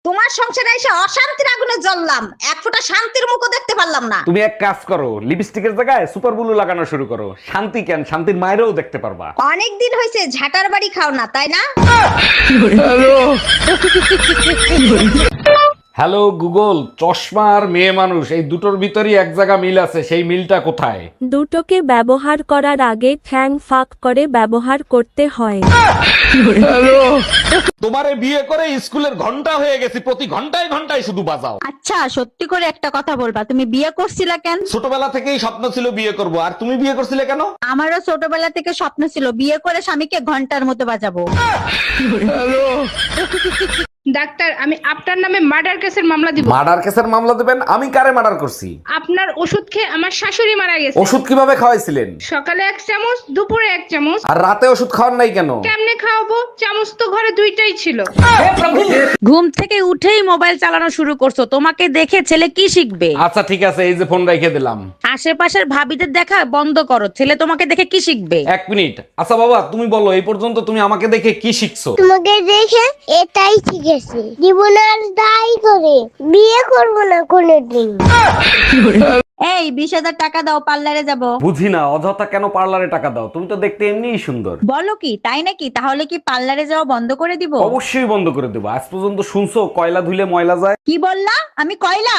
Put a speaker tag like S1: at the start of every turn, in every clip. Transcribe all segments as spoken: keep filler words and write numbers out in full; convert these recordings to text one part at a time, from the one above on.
S1: তোমার সংসারে এসে অশান্তির আগুনে জ্বললাম, এক ফোঁটা শান্তির মুখও দেখতে পারলাম না।
S2: তুমি এক কাজ করো, লিপস্টিকের জায়গায় সুপার ব্লু লাগানো শুরু করো। শান্তি কেন, শান্তির মায়েরও দেখতে পারবা।
S1: অনেক দিন হয়েছে ঝাটার বাড়ি খাও না, তাই না?
S2: হ্যালো গুগল, চশমা আর মেয়ে মানুষ এই দুটোর ভিতরই এক জায়গা মিল আছে, সেই মিলটা কোথায়?
S3: দুটোকে ব্যবহার করার আগে ঠ্যাং ফাঁক করে ব্যবহার করতে হয়।
S2: তোমারে বিয়ে করে স্কুলের ঘন্টা হয়ে গেছি, প্রতি ঘন্টায় ঘন্টায় শুধু বাজাও।
S1: আচ্ছা, সত্যি করে একটা কথা বলবা, তুমি বিয়ে করছিলা কেন?
S2: ছোটবেলা থেকেই স্বপ্ন ছিল বিয়ে করব, আর তুমি বিয়ে করছিলে কেন?
S1: আমারও ছোটবেলা থেকে স্বপ্ন ছিল বিয়ে করে স্বামীকে ঘন্টার মতো বাজাবো।
S4: ডাক্তার, আমি আপনার নামে মার্ডার কেসের মামলা দিব।
S2: মার্ডার কেসের মামলা দেবেন? আমি কারে মার্ডার করছি?
S4: আপনার ওষুধ খেয়ে আমার শাশুড়ি মারা গেছে।
S2: ওষুধ কিভাবে খাওয়াইছিলেন?
S4: সকালে এক চামচ, দুপুরে এক চামচ।
S2: আর রাতে ওষুধ খাওয়ার নাই কেন?
S4: কেমনে খাওয়াবো? চামচ তো ঘরে দুইটাই ছিল।
S5: ঘুম থেকে উঠেই মোবাইল চালানো শুরু করছো, তোমাকে দেখে ছেলে কি শিখবে?
S2: আচ্ছা ঠিক আছে, এই যে ফোন রেখে দিলাম।
S5: আশেপাশের ভাবিদের দেখা বন্ধ করো, ছেলে তোমাকে দেখে কি শিখবে?
S2: এক মিনিট। আচ্ছা বাবা, তুমি বলো এই পর্যন্ত তুমি আমাকে দেখে কি শিখছো?
S6: তোমাকে দেখে এটাই শিখেছি, জীবন আর দায় করে বিয়ে করবো না কোনোদিন।
S1: এই বিশ হাজার টাকা দাও, পার্লারে যাব।
S2: বুঝি না, অযথা কেন পার্লারে টাকা দাও? তুমি তো দেখতে এমনিই সুন্দর।
S1: বলো কি, তাই নাকি? তাহলে কি পার্লারে যাওয়া বন্ধ করে দিব?
S2: অবশ্যই বন্ধ করে দেবো। আজ পর্যন্ত শুনছো কয়লা ধুলে ময়লা যায়?
S1: কি বললা? আমি কয়লা?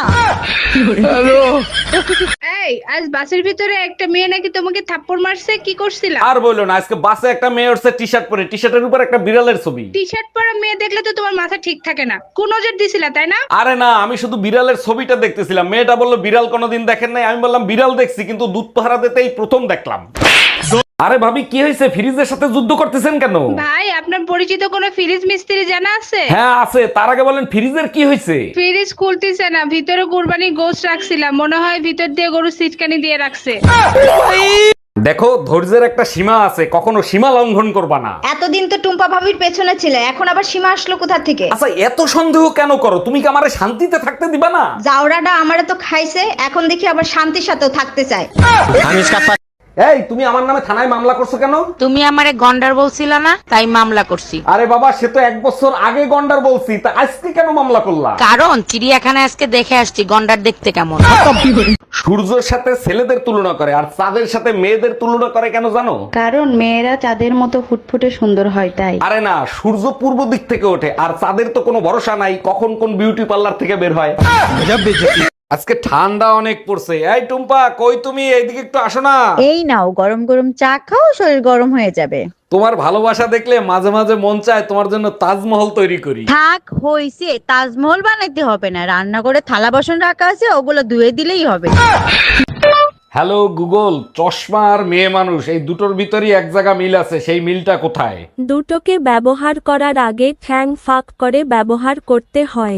S4: এই, আজ বাসের ভিতরে একটা মেয়ে নাকি তোমাকে থাপ্পড় মারছে, কি করছিলা?
S2: আর বললো না, আজকে বাসে একটা মেয়ে উঠছে টি শার্ট পরে, টি শার্টের উপর একটা বিড়ালের ছবি।
S4: টি শার্ট পরা মেয়ে দেখলে তো তোমার মাথা ঠিক থাকে না, কোন নজর দিছিলা, তাই না?
S2: আরে না, আমি শুধু বিড়ালের ছবিটা দেখতেছিলাম। মেয়েটা বললো বিড়াল কোনোদিন দেখেন নাই। আমি বললাম বিড়াল দেখছি, কিন্তু দুধ পাহারা দিতেই প্রথম দেখলাম। আরে ভাবি, কি হয়েছে? ফ্রিজের সাথে যুদ্ধ করতেছেন কেন?
S4: ভাই, আপনার পরিচিত কোনো ফ্রিজ মিস্ত্রি জানা আছে?
S2: হ্যাঁ আছে। তার আগে বলেন ফ্রিজের কি হয়েছে?
S4: ফ্রিজ খুলতেছে না, ভিতরে কুরবানি গোশত রাখছিলাম, মনে হয় ভিতর দিয়ে গরু সিটকানি দিয়ে রাখছে।
S2: দেখো, ধৈর্যের একটা সীমা আছে, কখনো সীমা লঙ্ঘন করবা না।
S1: এতদিন তো টুম্পা ভাবির পেছনে ছিলে, এখন আবার সীমা আসলো কোথা থেকে?
S2: আচ্ছা এত সন্দেহ কেন করো? তুমি কি আমারে শান্তিতে থাকতে দিবা না?
S1: জাউরাটা আমারে তো খাইছে, এখন দেখি আবার শান্তির সাথেও থাকতে চায়।
S2: এই, তুমি আমার নামে থানায় মামলা করছো কেন?
S5: তুমি আমারে গন্ডার বলছিলা না, তাই মামলা করছি।
S2: আরে বাবা, সে তো এক বছর আগে গন্ডার বলছি, তা আজকে কেন মামলা করলা?
S5: কারণ চিড়িয়াখানায় আজকে দেখে আসছি গন্ডার দেখতে কেমন।
S2: সূর্যের সাথে ছেলেদের তুলনা করে, আর চাঁদের সাথে মেয়েদের তুলনা করে কেন জানো?
S7: কারণ মেয়েরা চাঁদের মতো ফুটফুটে সুন্দর হয় তাই।
S2: আরে না, সূর্য পূর্ব দিক থেকে ওঠে, আর চাঁদের তো কোনো ভরসা নাই কখন কোন বিউটি পার্লার থেকে বের হয়। আজকে ঠান্ডা অনেক পড়ছে। এই টুম্পা, কই তুমি? এইদিকে একটু আসো না।
S1: এই নাও, গরম গরম চা খাও, শরীর গরম হয়ে যাবে।
S2: তোমার ভালোবাসা দেখলে মাঝে মাঝে মন চায় তোমার জন্য তাজমহল তৈরি করি।
S1: থাক হইছে, তাজমহল বানাইতে হবে না, রান্না করে থালা বাসন রাখা আছে, ওগুলো ধুয়ে দিলেই হবে।
S2: হ্যালো গুগল, চশমা আর মেয়ে মানুষ এই দুটোর ভিতরই এক জায়গা মিল আছে, সেই মিলটা কোথায়?
S3: দুটোকে ব্যবহার করার আগে ঠ্যাং ফাঁক করে ব্যবহার করতে হয়।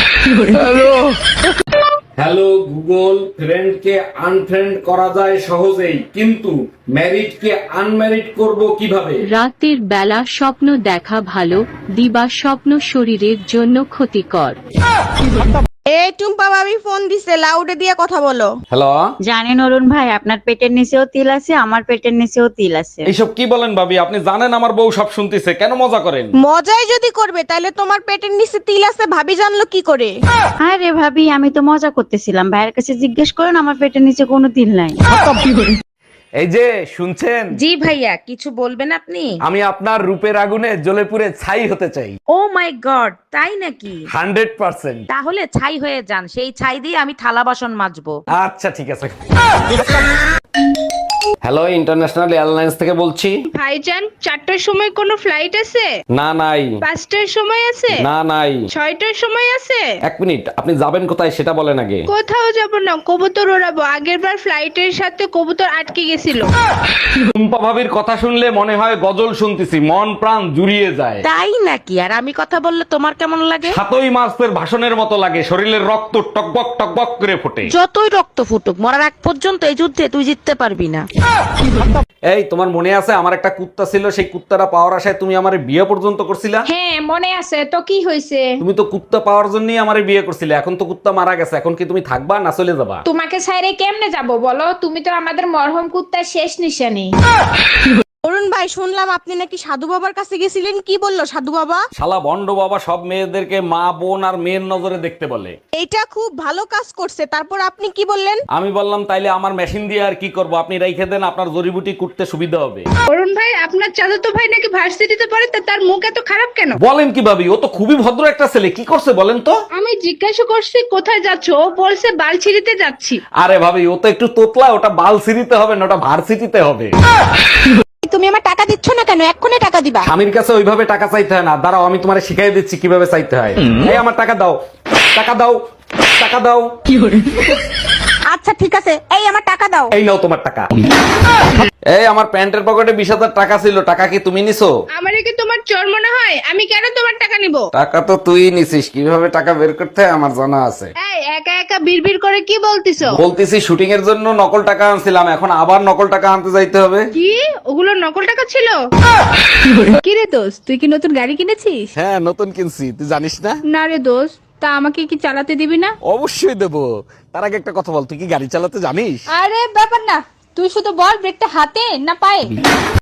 S2: হ্যালো গুগল, ফ্রেন্ডকে আনফ্রেন্ড করা যায় সহজেই, কিন্তু ম্যারিডকে আনম্যারিড করব কিভাবে?
S8: রাতের বেলা স্বপ্ন দেখা ভালো, দিবা স্বপ্ন শরীরের জন্য ক্ষতিকর।
S5: এই টুম্পা ভাবি ফোন দিছে, লাউডে দিয়ে কথা বলো।
S2: হ্যালো,
S7: জানেন অরুণ ভাই, আপনার পেটের নিচেও তিল আছে, আমার পেটের নিচেও তিল আছে।
S2: এইসব কি বলেন ভাবি? আপনি জানেন আমার বউ সব শুনতেছে, কেন মজা করেন?
S5: মজাই যদি করবে তাহলে তোমার পেটের নিচে তিল আছে ভাবি জানলো কি করে?
S7: আরে ভাবি, আমি তো মজা করতেছিলাম, ভাইয়ের কাছে জিজ্ঞেস করেন, আমার পেটের নিচে কোনো তিল নাই।
S2: এই যে শুনছেন?
S5: জি ভাইয়া, কিছু বলবেন আপনি?
S2: আমি আপনার রূপের আগুনে জ্বলে পুড়ে ছাই হতে চাই।
S5: ও মাই গড, তাই নাকি?
S2: Hundred percent.
S5: তাহলে ছাই হয়ে যান, সেই ছাই দিয়ে আমি থালা বাসন মাজবো।
S2: আচ্ছা ঠিক আছে। হ্যালো, ইন্টারন্যাশনাল এয়ারলাইন্স থেকে বলছি।
S4: ভাইজান, চারটার সময় কোনো ফ্লাইট আছে?
S2: না নাই।
S4: পাঁচটার সময় আছে?
S2: না নাই।
S4: ছয়টার সময় আছে?
S2: এক মিনিট, আপনি যাবেন কোথায় সেটা বলেন আগে।
S4: কোথাও যাব না, কবুতর ওড়াবো। আগের বার ফ্লাইটের সাথে কবুতর আটকে গেছিল।
S2: টুম্পা ভাবির কথা শুনলে মনে হয় গজল শুনতেছি, মন প্রাণ জুড়িয়ে যায়।
S5: তাই নাকি? আর আমি কথা বললে তোমার কেমন লাগে?
S2: সাতই মাসের ভাষণের মতো লাগে, শরীরের রক্ত টকবক টকবক করে ফোটে।
S5: যতই রক্ত ফুটুক, মরার আগ পর্যন্ত এই যুদ্ধে তুই জিততে পারবি না।
S2: এই, তোমার মনে আছে আমার একটা কুত্তা ছিল, সেই কুত্তাটা পাওয়ার আশায় তুমি আমার বিয়ে পর্যন্ত করছিলা?
S4: হ্যাঁ মনে আছে, তো কি হয়েছে?
S2: তুমি তো কুত্তা পাওয়ার জন্যই আমার বিয়ে করছিলে, এখন তো কুত্তা মারা গেছে, এখন কি তুমি থাকবা না চলে যাবা?
S4: তোমাকে ছাইরে কেমনে যাব বলো? তুমি তো আমাদের মরহুম কুত্তার শেষ নিশানি।
S5: অরুণ ভাই শুনলাম আপনি নাকি সাধু বাবার কাছে গেছিলেন, কি বললো সাধু বাবা?
S2: শালা বন্ড বাবা সব মেয়েদেরকে মা বোন আর মেয়ের নজরে দেখতে বলে।
S5: এইটা খুব ভালো কাজ করছে, তারপর আপনি কি বললেন?
S2: আমি বললাম তাইলে আমার মেশিন দিয়ে আর কি করব, আপনি রাইখে দেন, আপনার জড়িবুটি কুটতে সুবিধা হবে।
S4: অরুণ ভাই আপনার চাচাতো ভাই নাকি ভার্সিটিতে পড়ে, তা তার মুখ এত খারাপ কেন?
S2: বলেন কি ভাবি, ও তো খুবই ভদ্র একটা ছেলে, কি করছে বলেন তো?
S4: আমি জিজ্ঞাসা করছি কোথায় যাচ্ছ, ও বলছে বালছিড়িতে যাচ্ছি।
S2: আরে ভাবি ও তো একটু তোতলা, ওটা বালসিরিতে হবে না, ওটা ভার্সিটিতে হবে।
S5: তুমি আমার টাকা দিচ্ছ না কেন? এক্ষুনি টাকা দিবা।
S2: স্বামীর কাছে ওইভাবে টাকা চাইতে হয় না, দাঁড়াও আমি তোমারে শিখাই দিচ্ছি কিভাবে চাইতে হয়। এই আমার টাকা দাও, টাকা দাও, টাকা দাও।
S5: আচ্ছা ঠিক আছে, এই আমার টাকা দাও।
S2: এই নাও তোমার টাকা। এই আমার প্যান্টের পকেটে বিশ হাজার টাকা ছিল, টাকা কি তুমি নিছো?
S4: আমারে কি তোমার চোর মনে হয়? আমি কেন তোমার টাকা নিব?
S2: টাকা তো তুই নিছিস, কিভাবে টাকা বের করতে হয় আমার জানা আছে।
S4: এই একা একা বিড়বিড় করে কি বলতিছো?
S2: বলতেছি শুটিং এর জন্য নকল টাকা আনছিলাম, এখন আবার নকল টাকা আনতে যাইতে হবে।
S4: কি ওগুলো নকল টাকা ছিল? কি রে দোস্ত, তুই কি নতুন গাড়ি কিনেছিস?
S2: হ্যাঁ নতুন কিনছি, তুই জানিস না?
S4: না রে দোস্ত, তা আমাকে কি চালাতে দিবি না?
S2: অবশ্যই দেবো, তার আগে একটা কথা বল, তুই কি গাড়ি চালাতে জানিস?
S4: আরে ব্যাপার না, তুই শুধু বল ব্রেকটা হাতে না পায়ে।